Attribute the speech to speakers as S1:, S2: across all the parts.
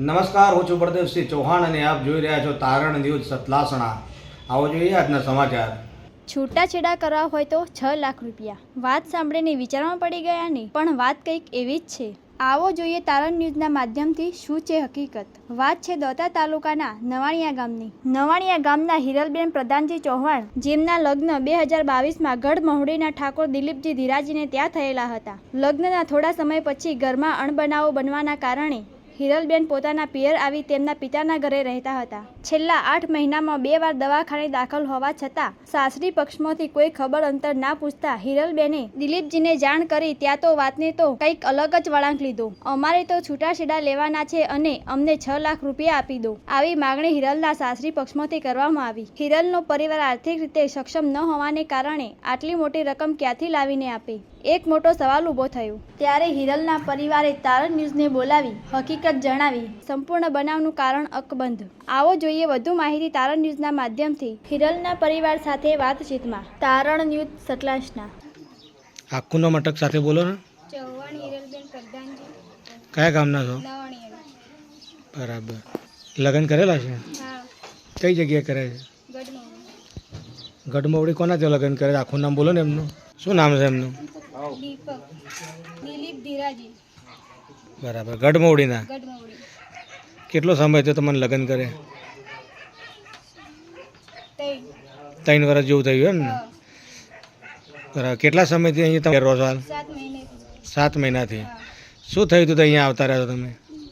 S1: નમસ્કાર, હું છું પ્રદેશસિંહ ચૌહાણ અને આપ જોઈ રહ્યા છો તારણ ન્યૂઝ સતલાસણા. આવો જોઈએ આજના સમાચાર.
S2: છૂટાછેડા કરવા હોય તો 6 લાખ રૂપિયા. વાત સાંભળીને વિચારમાં પડી ગયા ને, પણ વાત કંઈક એવી જ છે. આવો જોઈએ તારણ ન્યૂઝના માધ્યમથી શું છે હકીકત. વાત છે દોતા તાલુકાના નવાણિયા ગામની. નવાણિયા ગામના હિરલબેન પ્રધાનજી ચૌહાણ, જેમના લગ્ન 2022માં ગઢ મહુડીના ઠાકોર દિલીપજી ધીરાજીને ત્યાં થયેલા હતા. લગ્નના થોડા સમય પછી ઘરમાં અણબનાવો બનવાના કારણે હિરલબેન પોતાના પિયર આવી તેમના પિતાના ઘરે રહેતા હતા. છેલ્લા 8 મહિનામાં 2 વાર દવાખાને દાખલ હોવા છતાં સાસરી પક્ષમાંથી કોઈ ખબર અંતર ના પૂછતા હિરલબેને દિલીપજીને જાણ કરી ત્યાં તો વાતને તો કંઈક અલગ જ વળાંક લીધો. અમારે તો છૂટાછેડા લેવાના છે અને અમને 6 લાખ રૂપિયા આપી દો, આવી માગણી હિરલના સાસરી પક્ષમાંથી કરવામાં આવી. હિરલનો પરિવાર આર્થિક રીતે સક્ષમ ન હોવાને કારણે આટલી મોટી રકમ ક્યાંથી લાવીને આપે? એક મોટો સવાલ ઊભો થયો. ત્યારે હિરલના પરિવારે તારણ ન્યૂઝને બોલાવી હકીકત જણાવી. સંપૂર્ણ બનાવનું કારણ અકબંધ. આવો જોઈએ વધુ માહિતી તારણ ન્યૂઝના માધ્યમથી હિરલના પરિવાર સાથે વાતચીતમાં. તારણ ન્યૂઝ સતલાસણા.
S1: આખું નામ અટક સાથે બોલો ને.
S2: ચૌહાણ હિરલબેન પ્રધાનજી.
S1: કયા ગામના છો?
S2: નવાણિયા.
S1: બરાબર. લગ્ન કરેલા છે?
S2: હા.
S1: કઈ જગ્યાએ કરે છે?
S2: ગઢમોડી.
S1: ગઢમોવડી કોના ત્યાં લગ્ન કરે? આખું નામ બોલો ને એમનું. શું નામ છે એમનું?
S2: દીપક દિલીપ ધીરાજી.
S1: બરાબર. ગઢમોવડીના.
S2: ગઢમોડી.
S1: કેટલો સમય થયો તમને લગ્ન કરે? 3 વર્ષ જેવું થયું એમ ને? બરાબર. કેટલા સમયથી અહીંયા તમે રહો છો હાલ?
S2: 7 મહિને.
S1: 7 મહિનાથી. શું થયું હતું તો અહીંયા આવતા રહ્યા છો તમે?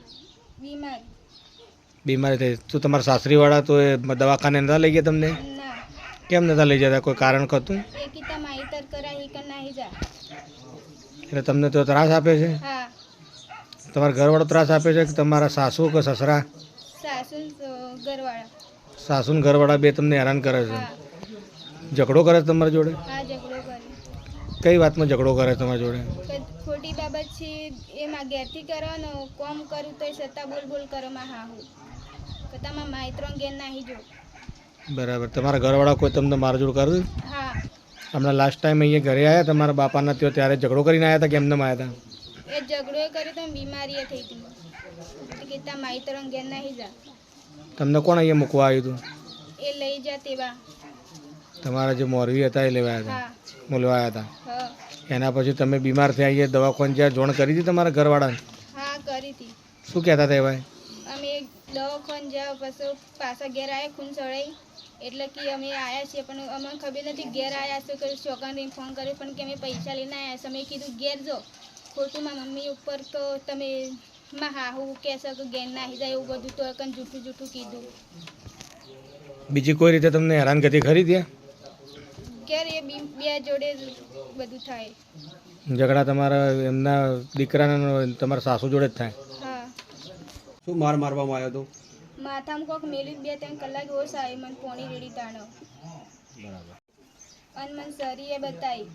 S1: બીમારી થઈ. તો તમારા સાસરીવાળા તો એ દવાખાને નતા લઈ ગયા તમને?
S2: ના.
S1: કેમ નતા લઈ જતા? કોઈ કારણ હતું?
S2: એકીતા માહિતર કરાઈ કે નહીં જા.
S1: એટલે તમને તો ત્રાસ આપે છે?
S2: હા.
S1: તમારા ઘરવાળો ત્રાસ આપે છે કે તમારા સાસુ કે સસરા?
S2: સાસુ ઘરવાળા.
S1: સાસુ ને ઘરવાળા બે તમને હેરાન કરે છે?
S2: હા.
S1: ઝઘડો કરે છે તમારી જોડે?
S2: હા, ઝઘડો કરે.
S1: કઈ વાતમાં ઝઘડો કરે છે તમારી જોડે?
S2: ખોટી બાબત છે એમાં ઘેરથી કરો ને કોમ કરું તો છતાં બોલ કરો માં હા હું તો તમારા માહિતરો ઘેર નાહી જો.
S1: બરાબર. તમારા ઘરવાળા કોઈ તમને મારઝૂડ કરે?
S2: હા.
S1: હમણાં લાસ્ટ ટાઈમ અહીંયા ઘરે આવ્યા તમારા બાપાના ત્યાં ત્યારે ઝઘડો કરીને આવ્યા હતા કે એમને આવ્યા હતા?
S2: એ ઝઘડો કર્યો તો બીમારી થઈ હતી એટલે કે તા માહિતરો ઘેર નાહી જા.
S1: તમને કોણ અહીંયા મૂકવા આવ્યું હતું?
S2: એ લઈ જા તેવા.
S1: તમારા જે મોરવી હતા એ લેવા આવ્યા
S2: હા.
S1: હતા, બોલવા આવ્યા હતા.
S2: હા.
S1: એના પછી તમે બીમાર થયા અહીંયા દવાખાને જ્યાં જોણ કરી હતી તમારા ઘરવાળાને?
S2: હા, કરી હતી.
S1: શું કહેતા હતા એ ભાઈ?
S2: અમે દવાખાને જાવ પછી પાછા ઘેર આવ્યા ખૂન ચડાઈ એટલે કે અમે આવ્યા છીએ પણ અમને ખબર નથી ઘેર આવ્યા છો કે છોકરાને ફોન કર્યો પણ કે અમે પૈસા લઈને આવ્યા છીએ. અમે કીધું ઘેર જો ખોટું મારા મમ્મી ઉપર તો તમે માં હાહુ કહેશો કે ઘેર નાહી જાય એવું બધું તો કંઈ જૂઠું કીધું.
S1: બીજી કોઈ રીતે તમને હેરાનગતિ ખરી ત્યાં?
S2: ઘેર એ બે જોડે બધું થાય.
S1: ઝઘડા તમારા એમના દીકરાના તમારા સાસુ જોડે જ થાય?
S2: હા.
S1: શું મારવામાં આવ્યો હતો?
S2: માથામાં કોક મેલી 2-3 કલાક હોશ આવી મને પોણી રેડી તાણો.
S1: બરાબર.
S2: અને મને સરીએ બતાવી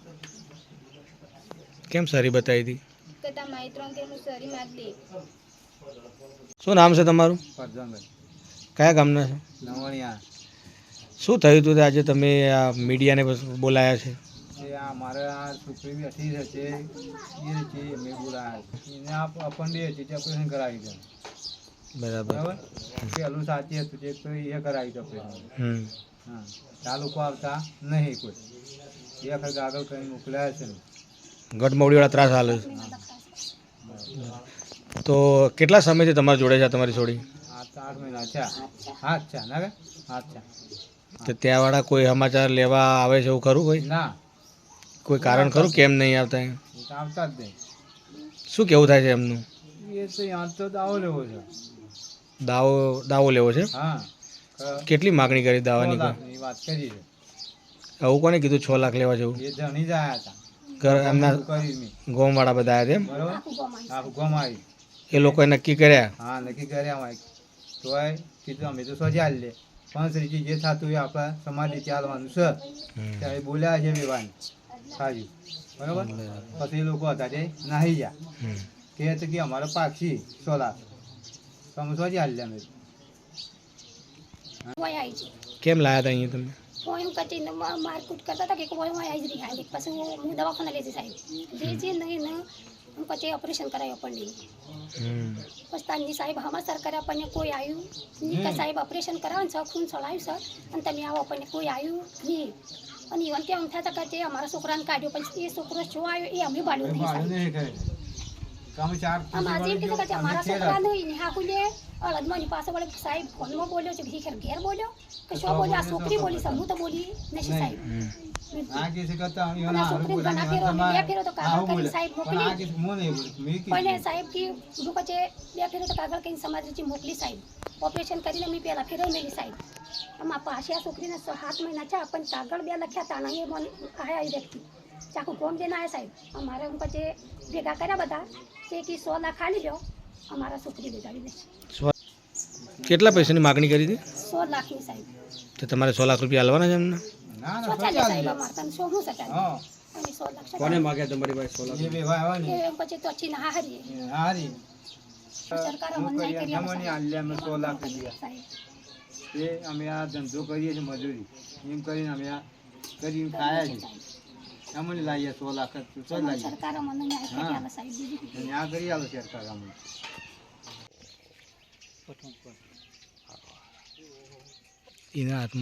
S1: કેમ સારી બતાવી હતી?
S2: કે તા માહિતરો કે હું સરી માગ દે.
S1: શું નામ છે તમારું?
S3: પરજાનભાઈ.
S1: કયા ગામના છે?
S3: નવાણિયા.
S1: શું થયું હતું તે આજે તમે આ મીડિયાને બોલાયા છે?
S3: એ આ મારે આ છોકરી બેઠી છે તે એ છે મેં બોલાયા એને આપણને હતી તે ઓપરેશન કરાવી દે.
S1: બરાબર.
S3: બરાબર. પહેલું સાચી હતું તે તો એ કરાવી દે ઓપરેશન. હા. આ લોકો આવતા નહીં કોઈ. એ વખત આગળ કરીને મોકલ્યા છે.
S1: ગઢમોવડીવાળા ત્રાસ હાલે છે. તો કેટલા સમયથી તમારી જોડે છે તમારી છોડી?
S3: 8 મહિના છે. હાથ છે ના કે હાથ છે.
S1: તો ત્યાંવાળા કોઈ સમાચાર લેવા આવે છે એવું ખરું? કોઈ
S3: ના.
S1: કોઈ કારણ ખરું કેમ નહીં આવતા?
S3: એ તો આવતા જ નહીં.
S1: શું કેવું થાય છે એમનું?
S3: એ તો યાદ તો દાવો લેવો છે.
S1: દાવો લેવો છે?
S3: હા.
S1: કેટલી માગણી કરી દાવાની?
S3: 6 લાખની વાત કરી છે.
S1: આવું કોને કીધું 6 લાખ લેવા જવું?
S3: એ જણી જ આવ્યા હતા.
S1: ઘર એમના
S3: કરી મેં.
S1: ગોમવાળા બધા આવ્યા એમ?
S3: બરોબર. આખું ગામ આવી.
S1: એ લોકોએ નક્કી કર્યા?
S3: હા, નક્કી કર્યા હોય તોય કીધું અમે તો સજા લે પણ શ્રીજી જે થતું હોય આપણા સમાજે ચાલવાનું છે ત્યારે બોલ્યા છે વિવાન સારી બરોબર. પછી એ લોકો હતા તે નાહી ગયા કે હતું કે અમારે પાક્ષી 6 લાખ તમે સજા લે અમે.
S1: કેમ લાયા હતા અહીંયા તમે?
S4: હું કચીને મારકૂટ કરતા હતા કે કોઈ આવી જ રહી હાલી પછી હું દવાખાના લેતી સાહેબ જે નહીં ને હું પછી ઓપરેશન કરાવ્યો પણ નહીં
S1: હમ.
S4: બસ તારની સાહેબ હમાસર કર્યા આપણને કોઈ આવ્યું નહીં કે સાહેબ ઓપરેશન કરાવવાનું છે ખૂન ચડાવ્યું છે અને તમે આવો આપણને કોઈ આવ્યું નહીં અને ઈવન કે આમ થતા કે તે અમારા છોકરાને કાઢ્યો પછી એ છોકરો શું આવ્યો એ અમે બાળ્યો નહીં
S3: ભાડું
S4: સાહેબ
S3: નહીં કરે કામ ચાર
S4: આમ આજે એમ કીધું કે અમારા છોકરાને નિહાકુલે અળદમાની પાસે વળે સાહેબ ફોનમાં બોલ્યો છે ઘી ઘેર બોલ્યો કે શું બોલ્યો આ છોકરી બોલી છે હું તો બોલી નથી સાહેબ
S3: આ કેસ કરતા
S4: અને આ છોકરીને ઘણા ફેરો બે ફેરો તો કાગળ કરીને સાહેબ મોકલી
S3: આ કેસ મો નહીં બોલે મેં
S4: પહેલે સાહેબ કી શું કહે છે બે ફેરો તો કાગળ કરીને સમાજથી મોકલી સાહેબ ઓપરેશન કરીને મેં પહેલા ફેરાઈ મેલી સાહેબ આમાં પાછી આ છોકરીને 7 મહિના છે પણ કાગળ બે લખ્યા હતા ને એ મને આયા એ વ્યક્તિ ચાકુ ગોમ દેને આયા સાહેબ અમારે હું પછી ભેગા કર્યા બધા તે કી 100 લાખ ખાલી લ્યો અમારા છોકરી બેજાવી દે
S1: કેટલા પૈસાની માગણી કરી હતી
S4: 100 લાખની સાહેબ
S1: તો તમારે 100 લાખ રૂપિયા આલવાના છે એમને
S3: ના
S4: સો
S3: ના
S4: ચાલે સાહેબ અમારે તને 100 હું સચાલે
S3: હા
S4: અને 100 લાખ
S5: કોને માગ્યા તમારી પાસે 100 લાખ
S3: એ બે ભાઈ આવે ને
S4: એ પછી તો ચીન હારી
S3: હારી
S4: સરકાર અમને નહીં કરી
S3: અમને આલ્યા અમે 100 લાખ રૂપિયા
S4: સાહેબ
S3: એ અમે આ ધંધો કરીએ છીએ મજૂરી એમ કરીને અમે આ કરીને ખાયા છીએ અમને લાવીએ 100 લાખ તો લાવીએ
S4: સરકાર અમને ન્યાય કરી આલે સાહેબ બીજું
S3: અને આ કરી આલો સરકાર અમને
S1: એના હાથમાં